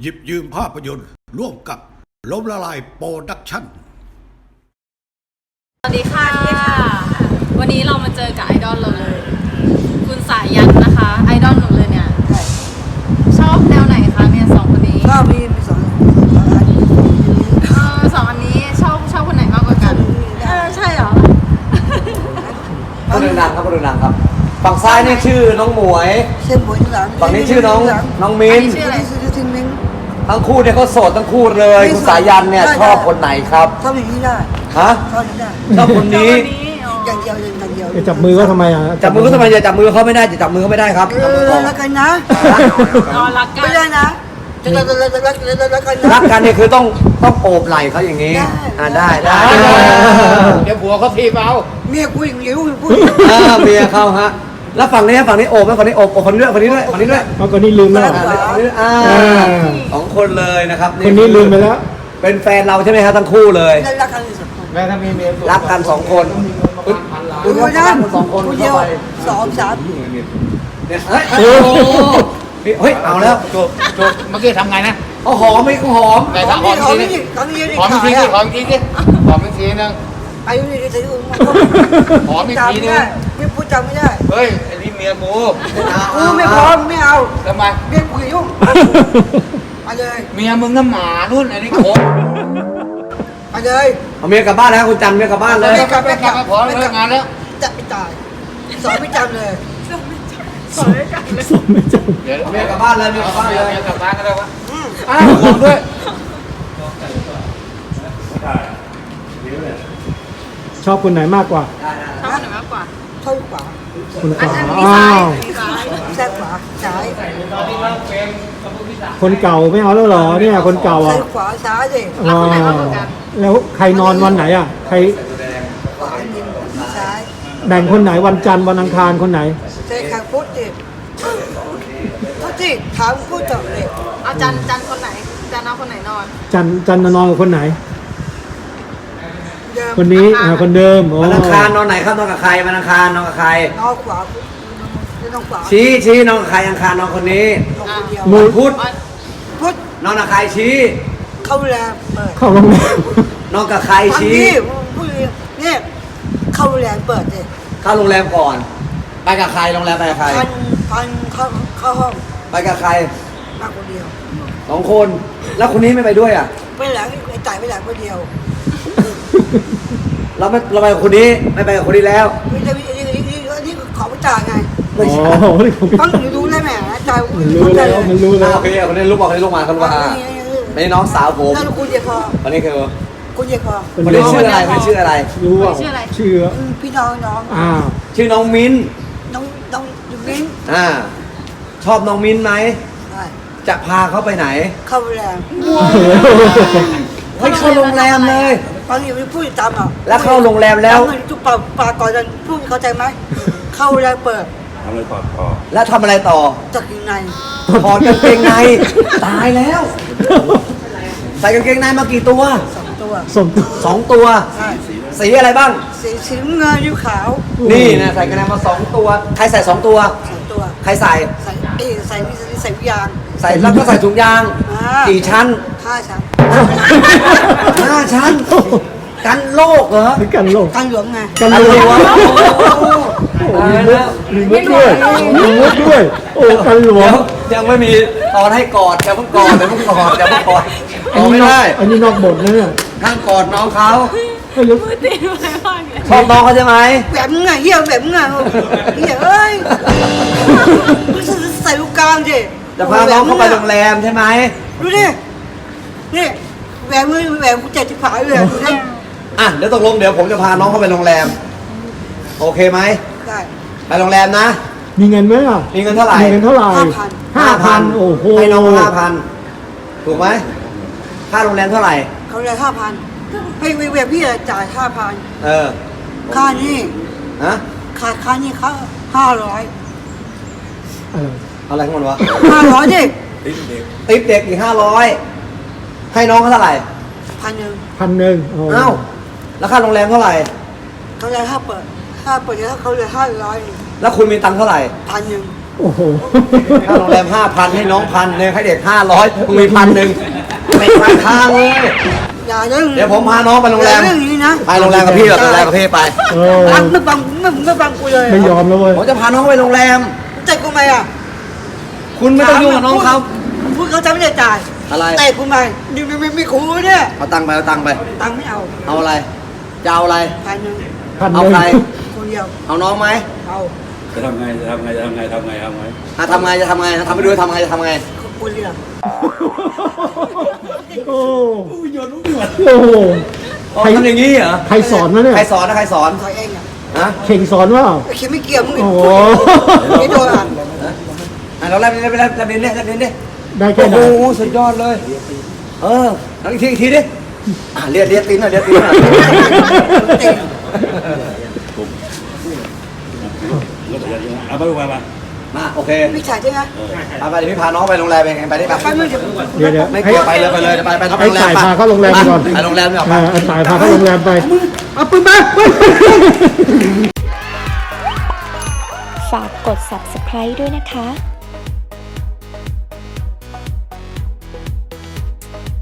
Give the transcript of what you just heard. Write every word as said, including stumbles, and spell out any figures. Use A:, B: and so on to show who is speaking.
A: หยิบยืมภาพยนตร์ร่วมกับล้มละลายโปรดักชั่น
B: สวัสดีค่ะวันนี้เรามาเจอกับไอดอลเราเลยคุณสายยันนะคะไอดอลหนูเลยเนี่ยชอบแนวไหนคะเนี่ยสองคนนี้
C: ชอบมีมีสองสองอัน
B: เออสองอันนี้ชอบชอบคนไหนมากกว่ากันเออใช่เหรอ
D: คนดังครับคนดังครับฝั่งซ้ายนี่ชื่อน้องหมวย
C: ชื่อหมวยหลัง
D: ฝั่งนี้ชื่อน้องน้องมิ้น
B: ชื่ออะไร
C: ชื่อชื่อมิ้น
D: ทั้งคู่เนี่ยเขาโสดทั้งคู่เลยคุณสายันเนี่ยชอบคนไหนครับ
C: ชอบอย่างนี้ได้
D: ฮะ
C: ชอบอย่างนี้ได้
D: ชอบคนนี้
C: อย่างเดียวอย่างเดียว
E: จะจับมือก็ทำไมอ่ะ
D: จับมือก็ทำไมจะจับมือเขาไม่ได้จะจับมือเขาไม่ได้ครับ
C: เออรักกันนะ
B: รอรักกัน
C: ไม่ได้นะจะรักรักรักรักรักกัน
D: รักกันเนี่ยคือต้องต้องโอบไหล่เขาอย่างนี้อ่าได้ได้
F: เดี๋ยวผัวเขาทีเบา
C: เมียกูอย่างเดียวพูด
D: อ่าเมียเขาฮะแล้วฝั่งนี้ฝั่งนี้โอบแล้วฝั่งนี้โอบโอบคนนี้ด้วยคนนี้ด้วยคนนี้ด้วย
E: เอาคนนี้ลืมแล้ว
D: คนนี้อ่าสองคนเลยนะครับ
E: คนนี้ลืมไปแล้ว
D: เป็นแฟนเราใช่ไหมครับทั้งคู่เลย
C: รักกันสองคน
F: แม่ถ้ามีเมีย
D: รักกันสองคน
C: ดูนะสองคนเดียวสองสาม
D: เนี่ยเฮ้ยเฮ้ยเอาแล้ว
F: จบจบเมื่อกี้ทำไงนะ
D: เขาหอมไหมเขาหอม
F: แต่ถ้าหอมทีนึงหอมทีนึงหอมทีนึงหอมทีนึงหอมทีนึง
C: ไปอยู่ในที่อื่น
F: หอมอีกทีนึง
C: ไม่พูดจำไม่ได้
F: เฮ้ยไอ้นี่เมียกู
C: กูไม่พร้อมไม่เอา
F: ทำไม
C: เมียกูยุ่งมาเลย
F: เมียมึงน้ำหมารุ่นไอ้นี่โคตร
C: มาเลย
D: เอาเมียกลับบ้านแล้วคุณจันเมียกลับบ้านเลย
F: ไม่กลับไม่กลับพอเลิกงานแล้ว
C: จะไม่ตายสอนไม่จำเลย
B: สอนไม่จำเลย
E: สอนไม่จำ
F: เดี๋ยว
D: เมียกลับบ้านเลยเมียกลับบ้านเลย
F: เมียกลับบ้านก็ได้วะอ้าวหอมด้วย
E: ชอบคนไหนมากกว่า
B: ชอบคนไหนมากกว่า
C: ชอบขวา
E: คนขวา
B: อ้าว
C: แซ่บขวาซ้าย
E: คนเก่าไม่เอาแล้วเหรอเนี่ยคนเก่าอ่ะ
C: ขวาซ้ายดิ
B: รักคนไหนมากกว่ากัน
E: แล้วใครนอนวันไหนอ่ะใคร
C: ขวาดินซ้าย
E: แบ่งคนไหนวันจันทร์วันอังคารคนไหน
C: ใช่ค่ะพุทธดิพุทธดิถามพุทธเลย
B: เอาจันจันคนไหนจันเอาคนไหนนอน
E: จันจันนอนกับคนไหนคนนี้คนเดิม
D: วันอังคารนอนไหนครับนอนกับใครวันอังคารนอนกับใคร
C: นอนขวาน้องขวา
D: ชี้ชี้นอนกับใครอังคารนอนคนนี้
E: มู
D: พุธ
C: พุทธ
D: นอนกับใครชี้
C: เข้าแรมเปิด
E: เข้าโรงแรม
D: นอนกับใครชี้
C: พูดเนี่ยเข้าแรมเปิดเลย
D: เข้าโรงแรมก่อนไปกับใครโรงแรมไปกับใคร
C: พันพันเข้าเข้าห้อง
D: ไปกับใคร
C: มาคนเดียว
D: สองคนแล้วคนนี้ไม่ไปด้วยอ่ะ
C: ไปหลังไอ้จ่ายไปหลังคนเดียว
D: เราไม่เราไปกับคนนี้ไม่ไปกับคนนี้แล้ว
C: ไม่ใช่อันนี้อันนี้อันนี้ขอไปจ่ายไง
E: อ๋อ
C: ต้องหนูรู้ได้ไหมจ่าย
E: มันรู้แล้วมันรู้แล้ว
D: โอเคคนนี้ลูกบอกคนนี้ลูกมาคนว่านี่น้องสาวผม
C: ถ้าคุณเดียพอ
D: คนนี้คือ
C: คุณเดียพอ
D: คนนี้ชื่ออะไรคนนี้ชื่ออะไร
E: รู้ว่าชื่อ
C: พี่น้องน้อง
E: อ่า
D: ชื่อน้องมิ้น
C: น้องน้องมิ้น
D: อ่าชอบน้องมิ้นไหมจะพาเขาไปไหน
C: เข้าโรงแรม
D: เฮ้ยเข้าโรงแรมเลย
C: ตอนนี้ไม่พูดตามหรอ
D: แล้วเข้าโรงแรมแล้ว
C: เงินจุกปากปากก่อนจะพูดเข้าใจไหมเข้าโรงแรมเปิด
F: ทำอะไรต่อต่อ
D: แล้วทำอะไรต่อ
C: จักยังไง
D: ถอดกางเกงในตายแล้วใส่กางเกงในมากี่ตัว
C: สองตัว
D: สองตัวสีอะไรบ้าง
C: สีสีเงินยูขาว
D: นี่นะใส่กางเกงในมาสองตัวใครใส่สองตัว
C: สองตัว
D: ใครใส่
C: ใส่เอใส่ใส่ยาง
D: ใส่แล้วก็ใส่ถุงยางกี่ชั้น
C: ห้าชั้น
D: ห้าชั้นกันโรคเหรอ
E: กันโรค
C: กันหลวงไง
D: กันหลวง
E: มีมุกด้วยมีมุกด้วยโอ้กันหลวง
D: ยังไม่มีตอนให้กอดจะเพิ่งกอดจะเพิ่งกอดจะเพิ่งกอดไม่ได้
E: อันนี้นอกบทนะเนี่ย
D: ข้างกอดน้องเขา
B: มือตีอะไรบ้าง
D: ชอบน้องเขาใช่ไหม
C: แบบมึงไงเหี้ยแบบมึงไงเหี้ยเอ้ยใส่ลูกกลางดิ
D: จะพาน้องเข้าไปโรงแรมใช่ไหม
C: ดูดินี่แหวนมือแหวนกูเจ็ดสิบผายเลยดูดิ
D: อ่ะเดี๋ยวตกลงเดี๋ยวผมจะพาน้องเข้าไปโรงแรมโอเคไหม
C: ได้
D: ไปโรงแรมนะ
E: มีเงินไหมอ่ะ
D: มีเงินเท่าไหร่
E: มีเงินเท่าไหร่
C: ห้าพัน
E: ห้าพันโอ้โห
D: ให้น้องห้าพันถูกไหมค่าโรงแรมเท่าไหร่
C: เขาเลยห้าพันให้เวฟพี่จ่ายห้าพัน
D: เออ
C: ค่านี่
D: ฮะ
C: ค่าค่านี่เขาห้าร้อย
D: อะไรของมันวะ
C: ห้าร้อยดิ
D: ติ๊บเด็กอีกห้าร้อยให้น้องเขาเท่าไหร่
C: พันหนึ่ง
E: พันหนึ่ง
D: เอ้าแล้วค่าโรงแรมเท่าไหร่
C: เขาเลยห้าเปิดห้าเปิดแล้วเขาเลยห้าร้อย
D: แล้วคุณมีตังค์เท่าไหร่
C: พันหนึ่ง
E: โอ้โห
D: ค่าโรงแรมห้าพันให้น้องพันเนี่ยให้เด็กห้าร้อยมึงมีพันหนึ่งเป็นปลายทางเลย
C: อย่าเรื่อง
D: เดี๋ยวผมพาน้องไปโรงแรม
C: เรื่องนี้นะ
D: ไปโรงแรมกับพี่เหรอโรงแรมกับพี่ไป
E: เออ
C: ฟังไม่ฟังไม่ไม่ฟังกูเลย
E: ไม่ยอมแล้วเว้ย
D: ผมจะพาน้องไปโรงแรม
C: แต่กูไม่อ่ะ
D: คุณไม่ต้องยุ่งกับน้องเขา
C: พูดเขาจะไม่ได้จ่าย
D: อะไร
C: แต่กูไม่นี่ไม่ไม่ไม่กูเนี่ย
D: เอาตังค์ไปเอาตังค์ไป
C: ตังค์ไม่เอา
D: เอาอะไรจะเอาอะไร
C: พันหนึ่ง
E: พันห
D: เอา
E: นึ่ง
D: ใคร
C: คนเดียว
D: เอาน้องไหม
C: เอา
G: จะทำไงจะทำไงจะทำไงทำไงทำไง
D: อ่ะทำไงจะทำไงทำไปดูทำไงจะทำไง
C: คนเดียว
E: โอ้
G: หยดลูกหยด
E: โอ้โห
D: อ๋อทำอย่างนี้เหรอ
E: ใครสอนวะเนี่ย
D: ใครสอนนะใครสอน
C: ใครเองอ่ะ
D: ฮะ
E: เข่งสอนว่า
C: ไอ้เขียนไม่เกี่ยวมึง
E: โอ้โห
C: ไม่โดนอ่ะ
D: อ่ะเราแลบลิ้นไปแลบแลบลิ้นเนี่ยแลบลิ้นดิ
E: ได้แค่
D: โอ้
E: ไหน
D: โหสุดยอดเลย เออเอาอีกทีอีกทีดิอ่ะเลียดเลียดตีนหน่อยเลียดตีนหน่อย
G: เอาไปไปไป
D: มาโอเค
C: ไม่จ่ายใช่ไหม
D: ไปไปเดี๋ยวพี่พาน้องไปโรงแรมเองไปได้ปะ
C: ไปมึงจะ
E: เดี๋ยวเดี๋ยว
D: ไม่
E: ให้
D: เกี่ยวไปเลยไปเลยไปไปไป
E: ให้
D: โรงแรม
E: สายพาเข้าโรงแรมไปก่อน
D: ไปโรงแรมไม่ออก
E: เอ
D: ไป
E: อให้สายพาเข้าโรงแรมไปเอาปืนมาปืน
H: ฝากกด ซับสไครบ์ ด้วยนะคะ